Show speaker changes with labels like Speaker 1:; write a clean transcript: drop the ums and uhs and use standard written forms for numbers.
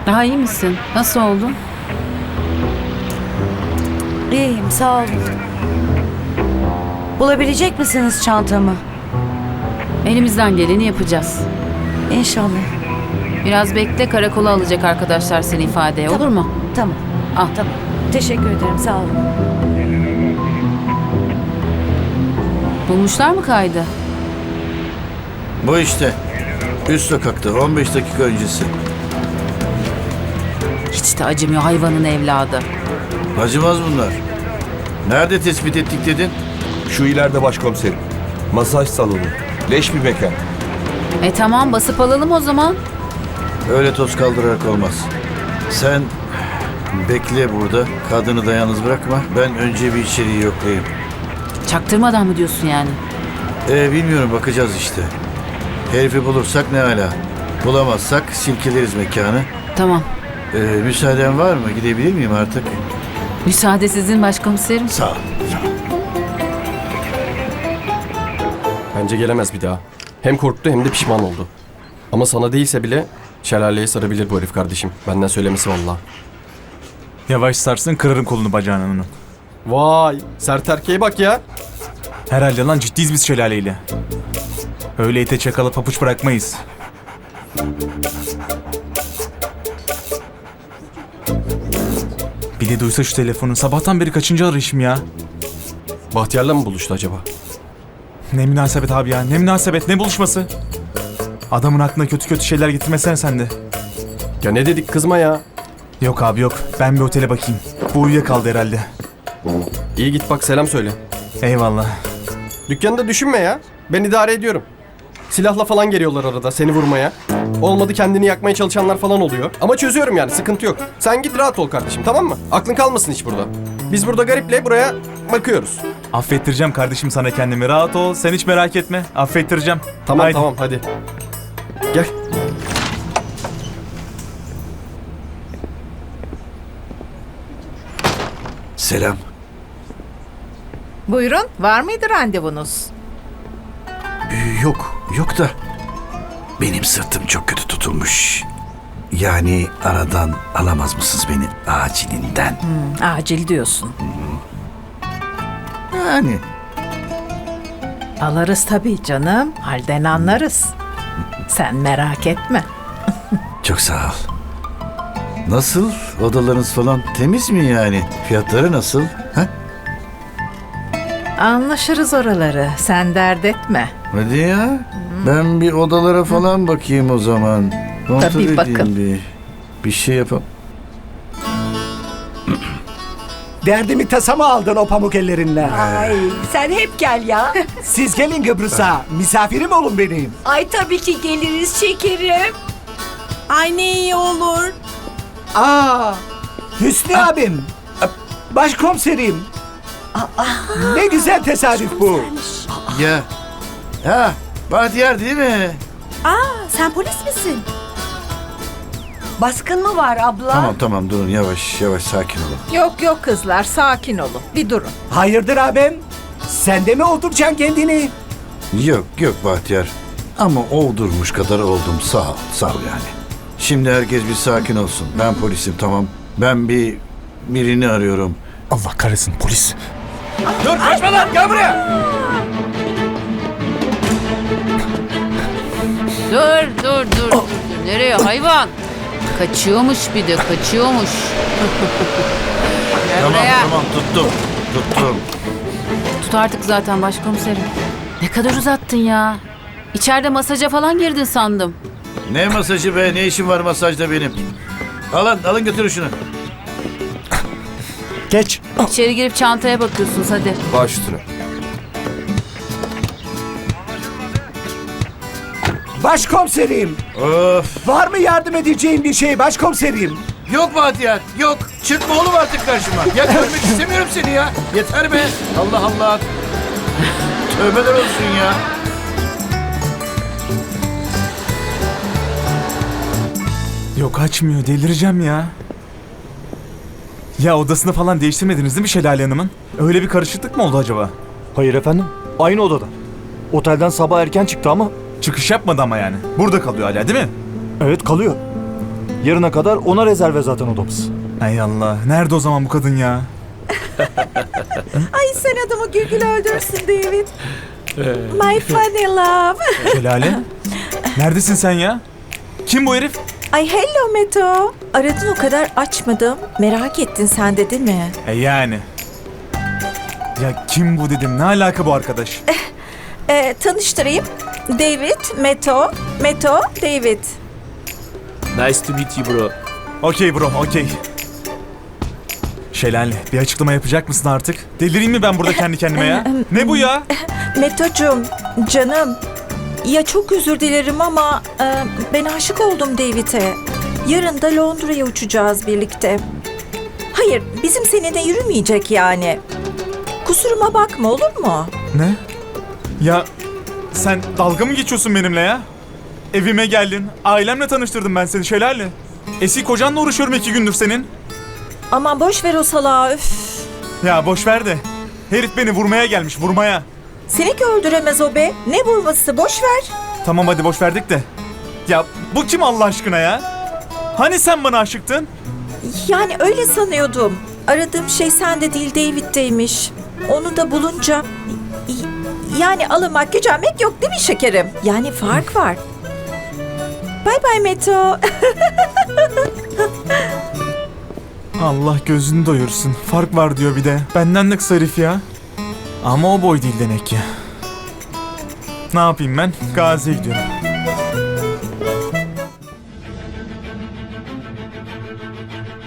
Speaker 1: Daha iyi misin? Nasıl oldu?
Speaker 2: İyiyim, sağ olun. Bulabilecek misiniz çantamı?
Speaker 1: Elimizden geleni yapacağız.
Speaker 2: İnşallah.
Speaker 1: Biraz bekle, karakola alacak arkadaşlar seni ifadeye, olur mu?
Speaker 2: Tamam.
Speaker 1: Al.
Speaker 2: Tamam. Teşekkür ederim, sağ olun.
Speaker 1: Bulmuşlar mı kaydı?
Speaker 3: Bu işte. Üst sokakta 15 dakika öncesi.
Speaker 1: Hiç de acımıyor hayvanın evladı.
Speaker 3: Acımaz bunlar. Nerede tespit ettik dedin?
Speaker 4: Şu ileride başkomiserim. Masaj salonu. Leş bir mekan.
Speaker 1: Tamam, basıp alalım o zaman.
Speaker 3: Öyle toz kaldırarak olmaz. Sen bekle burada. Kadını da yalnız bırakma. Ben önce bir içeriği yoklayayım.
Speaker 1: Çaktırmadan mı diyorsun yani?
Speaker 3: Bilmiyorum, bakacağız işte. Herifi bulursak ne hala. Bulamazsak silkeleriz mekanı.
Speaker 1: Tamam.
Speaker 3: Müsaaden var mı? Gidebilir miyim artık?
Speaker 1: Müsaade sizin başkomiserim.
Speaker 3: Sağ ol.
Speaker 5: Bence gelemez bir daha. Hem korktu hem de pişman oldu. Ama sana değilse bile şelaleye sarabilir bu herif kardeşim. Benden söylemesi vallahi.
Speaker 6: Yavaş sarsın, kırarım kolunu bacağını onun.
Speaker 5: Vay, sert erkeğe bak ya.
Speaker 6: Herhalde lan, ciddiyiz biz şelaleyle. Öyle ite çakalı papuç bırakmayız. Bir de duysa şu telefonu, sabahtan beri kaçıncı arayışım ya.
Speaker 5: Bahtiyar'la mı buluştu acaba?
Speaker 6: Ne münasebet abi ya, ne münasebet, ne buluşması. Adamın aklına kötü kötü şeyler getirmesen sen de.
Speaker 5: Ya ne dedik, kızma ya.
Speaker 6: Yok abi yok, ben bir otele bakayım. Bu uyuyakaldı herhalde.
Speaker 5: İyi, git bak, selam söyle.
Speaker 6: Eyvallah.
Speaker 5: Dükkanı da düşünme ya. Ben idare ediyorum. Silahla falan geliyorlar arada seni vurmaya. Olmadı kendini yakmaya çalışanlar falan oluyor. Ama çözüyorum yani, sıkıntı yok. Sen git rahat ol kardeşim, tamam mı? Aklın kalmasın hiç burada. Biz burada gariple buraya bakıyoruz.
Speaker 6: Affettireceğim kardeşim sana kendimi, rahat ol, sen hiç merak etme. Affettireceğim.
Speaker 5: Tamam
Speaker 6: Haydi.
Speaker 5: tamam, hadi. Gel.
Speaker 3: Selam.
Speaker 7: Buyurun, var mıydı randevunuz?
Speaker 3: Yok da benim sırtım çok kötü tutulmuş. Yani aradan alamaz mısınız beni acilinden?
Speaker 7: Acil diyorsun.
Speaker 3: Yani
Speaker 7: Alırız tabii canım, halden anlarız. Sen merak etme.
Speaker 3: çok sağ ol. Nasıl? Odalarınız falan temiz mi yani? Fiyatları nasıl? Ha?
Speaker 7: Anlaşırız oraları, sen dert etme.
Speaker 3: Hadi ya. Ben bir odalara falan bakayım o zaman. Kontrol
Speaker 7: Tabii,
Speaker 3: edeyim
Speaker 7: bakın.
Speaker 3: bir şey yapalım.
Speaker 8: Derdimi tasamı aldın o pamuk ellerinle.
Speaker 2: Ay, sen hep gel ya.
Speaker 8: Siz gelin Kıbrıs'a. Misafirim olun benim.
Speaker 2: Ay tabii ki geliriz şekerim.
Speaker 9: Ay ne iyi olur.
Speaker 8: Aa, Hüsnü abim. Başkomiserim. Ne güzel tesadüf bu.
Speaker 3: Ya. Ha, Bahtiyar değil mi?
Speaker 9: Sen polis misin?
Speaker 2: Baskın mı var abla?
Speaker 3: Tamam durun, yavaş sakin olun.
Speaker 7: Yok kızlar, sakin olun, bir durun.
Speaker 8: Hayırdır abim? Sen de mi olduracaksın kendini?
Speaker 3: Yok Bahtiyar. Ama oldurmuş kadar oldum, sağ ol yani. Şimdi herkes bir sakin olsun. Ben polisim, tamam. Ben birini arıyorum.
Speaker 6: Allah kahretsin, polis.
Speaker 8: Dur kaçma lan, gel buraya.
Speaker 1: Dur. Nereye hayvan? Kaçıyormuş bir de, kaçıyormuş. Gel buraya.
Speaker 3: Tamam tuttum.
Speaker 1: Tut artık zaten başkomiserim. Ne kadar uzattın ya. İçeride masaja falan girdin sandım.
Speaker 3: Ne masajı be, ne işim var masajda benim? Alın götürün şunu.
Speaker 8: Geç.
Speaker 1: İçeri girip çantaya bakıyorsunuz hadi.
Speaker 5: Baş üstüne.
Speaker 8: Başkomiserim.
Speaker 3: Of.
Speaker 8: Var mı yardım edeceğim bir şey başkomiserim?
Speaker 3: Yok Bahtiyar, yok. Çıkma oğlum artık karşıma. Ya görmek istemiyorum seni ya. Yeter be. Allah. Tövbeler olsun ya.
Speaker 6: Yok, açmıyor, delireceğim ya. Ya odasını falan değiştirmediniz değil mi Şelale Hanım'ın? Öyle bir karışıklık mı oldu acaba?
Speaker 10: Hayır efendim. Aynı odada. Otelden sabah erken çıktı ama
Speaker 6: Çıkış yapmadı ama yani. Burada kalıyor hala değil mi?
Speaker 10: evet kalıyor. Yarına kadar ona rezerve zaten odamız.
Speaker 6: Hay Allah. Nerede o zaman bu kadın ya?
Speaker 9: Ay sen adamı gül öldürsün David. My funny love.
Speaker 6: Şelale. Neredesin sen ya? Kim bu herif?
Speaker 9: Ay hello Meto. Aradın o kadar açmadım. Merak ettin sen de değil mi?
Speaker 6: Yani. Ya kim bu dedim. Ne alaka bu arkadaş?
Speaker 9: Tanıştırayım. David, Meto. Meto, David.
Speaker 8: Nice to meet you bro.
Speaker 6: Okey bro, okey. Şelale, bir açıklama yapacak mısın artık? Delireyim mi ben burada kendi kendime ya? Ne bu ya?
Speaker 9: Meto'cum, canım. Ya çok özür dilerim ama ben aşık oldum David'e. Yarın da Londra'ya uçacağız birlikte. Hayır, bizim seninle yürümeyecek yani. Kusuruma bakma olur mu?
Speaker 6: Ne? Ya sen dalga mı geçiyorsun benimle ya? Evime geldin, ailemle tanıştırdım ben seni Şelale. Eski kocanla uğraşıyorum 2 gündür senin.
Speaker 9: Aman boş ver o salağı üf.
Speaker 6: Ya boş ver de. Herif beni vurmaya gelmiş, vurmaya.
Speaker 9: Seni ki öldüremez o be. Ne vurması boş ver.
Speaker 6: Tamam hadi boş verdik de. Ya bu kim Allah aşkına ya? Hani sen bana aşıktın?
Speaker 9: Yani öyle sanıyordum. Aradığım şey sende değil David'deymiş. Onu da bulunca... Yani alamak gücenmek yok değil mi şekerim? Yani fark var. Bye bye Meto.
Speaker 6: Allah gözünü doyursun. Fark var diyor bir de. Benden de kısa herif ya. Ama o boy değil demek ki. Ne yapayım ben? Gazi'ye gidiyorum.